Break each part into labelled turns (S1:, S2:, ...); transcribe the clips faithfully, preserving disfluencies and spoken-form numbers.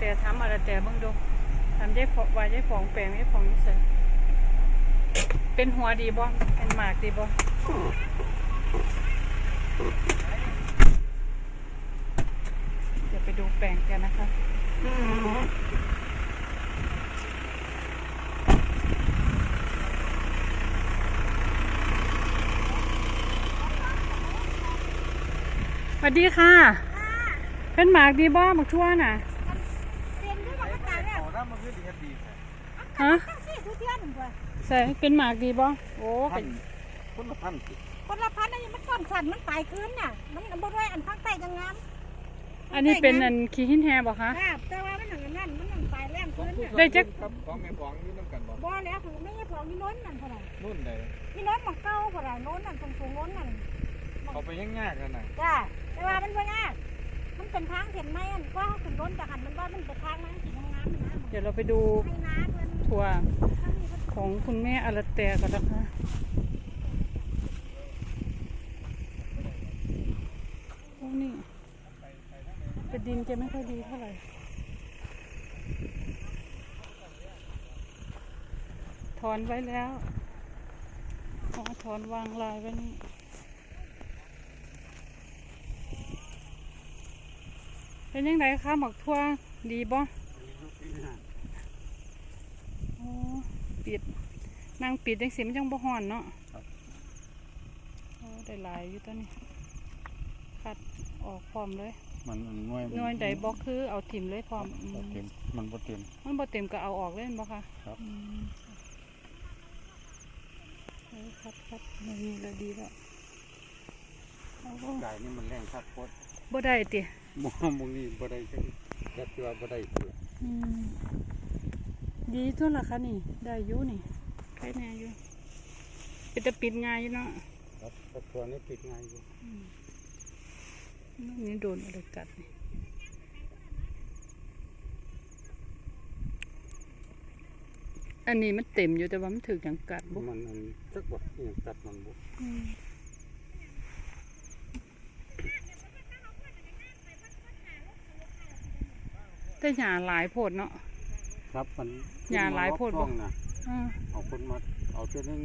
S1: แต่ทำอะไรแต่เบิ่งดูทำได้พอว่าได้ฟองแปลงได้ฟองนี่ใส่เป็นหัวดีบ่เป็นหมากดีบ่เดี๋ยวไปดูแปลงกันนะคะสวัสดีค่ะเป็นหมากดีบ่หมากทั่วน่ะฮะใส่เป็นหมากดีบ่โอ้เป็น
S2: คนละพันสิ
S3: คนละพันนี่มันต้นสันมันตายคืนน่ะมันบ่ด้วยอันข้างใต้ยังงาม
S1: อันนี้เป็นอันขี้หินแฮบ่คะ
S3: แต่ว่ามันอย่างนั้นมันยังตายแรงคืนน่ะ
S1: ได้จัก
S2: ของแม่ฟองนี่น้ำกันบ่
S3: บ่แล้วคือไม่ใช่ของนี่น้นนั่นเท่าไหร่
S2: นุ่นใด
S3: นี่น้นของเก่าเท่าไหร่น้นนั่นสูงๆน้นนั่น
S2: เอาไปยังยากกันน่ะ
S3: จ้าแต่ว่ามันบ่ยากมันเป็นทางเส้นไม้อันก็ขึ้นน้นจากหันมันว่ามันเป็นทางนั้นงามนะ
S1: เดี๋ยวเราไปดูถั่วของคุณแม่อรแตกันนะคะโอ้นี่แต่ดินจะไม่ค่อยดีเท่าไหร่ถอนไว้แล้วอ๋อถอนวางลายไว้นี่เป็นยังไงคะหมักทั่วดีบ่โอ้ปิดนางปิดยังสิมันยังบ่ห่อนเนาะโอ้ได้หลายอยู่ตอนนี้คัดออกพร้อมเลย
S2: มันน้อย
S1: น้อยใดบ่คือเอาถิ่มเลยพร้อม
S2: เต็มมันบ่เต็ม
S1: มันบ่เต็มก็เอาออกเลยบ่คะ
S2: ครับ
S1: ครับครับมันมีแล้วดีแล้ว
S2: ไก่นี่มันแรงครับโคตร
S1: บ่ได้ติ
S2: มองมองนี่บ่ได้จังแค่ตัวบ่ได้ตัว
S1: ดีทั่วละคะนี่ได้อยู่นี่ใครแน่อยู่เป็นตะปิดง่ายอยู่เนาะ
S2: ครับตัวนี้ปิดง่ายอยู่
S1: นี่โดนอะไรกัดนี่อันนี้มันเต็มอยู่แต่ว่ามันถึงอย่างกัดบุ
S2: มันอันจักบดอย่างกัดมันบุ
S1: แต่หญ้าหลายโพดเนาะ
S2: ครับมัน
S1: หญ้าหลายโพดบ่
S2: นะเอาคนมาเอาเจ้านึง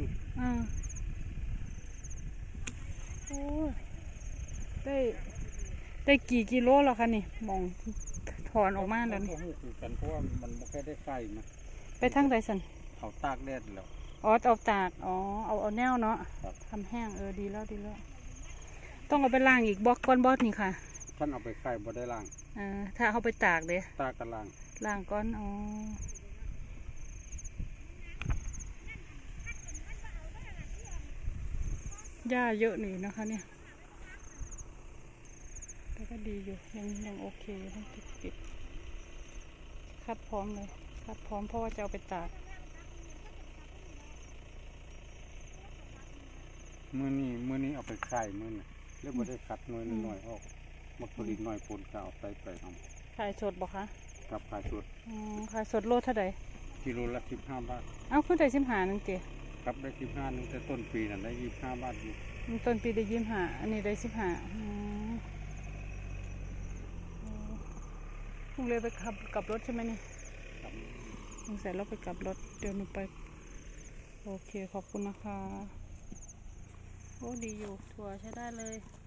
S1: โอ้ได้ได้กี่กิโลแล้วคะนี่มองถอนออกมาแล้วนี่
S2: กันเพราะว่ามันไม่ค่อยได้ใกล้มา
S1: ไปทั้งใดสัน
S2: เอาตากแดดแล้ว
S1: อ๋อเอาตากอ๋อเอาเอาแนวเนาะทำแห้งเออดีแล้วดีแล้วต้องเอาไปล้างอีกบล็อกก้อนบล็อกนี่ค่ะ
S2: ท่านเอาไปใส่บ่ได้ล้าง
S1: เออถ้าเอาไปตากเลย
S2: ตากกันล้าง
S1: ล้างก้อนอ๋อหญ้าเยอะหน่อยนะคะเนี่ยแต่ก็ดีอยู่ยังยังโอเคต้องปิดปิดคัดพร้อมเลยคัดพร้อมเพราะว่าจะเอาไปตาก
S2: มือนี้มือนี้เอาไปขายมือนี่เรียกว่าได้คัดน้อยน้อยออกมักผลิตน้อยปนก็เอาไปไปท
S1: ำขายสดบ่คะ
S2: กับขายสด
S1: อ๋อขายสดโลเท่าไหร่
S2: กิโลละสิบห้าบาท
S1: เอ้าขึ้นได้สิบห้านึงเก๋
S2: ครับได้สิบห้านึงแต่ต้นปีนั่นได้ยี่สิบห้าบาทอยู่
S1: ต้นปีได้ยี่สิบห้าอันนี้ได้สิบห้าลุงเลยไปขับกับรถใช่ไหมนี่ลุงใส่รถไปกับรถเดี๋ยวหนูไปโอเคขอบคุณนะคะโอ้ดีอยู่ถั่วใช้ได้เลย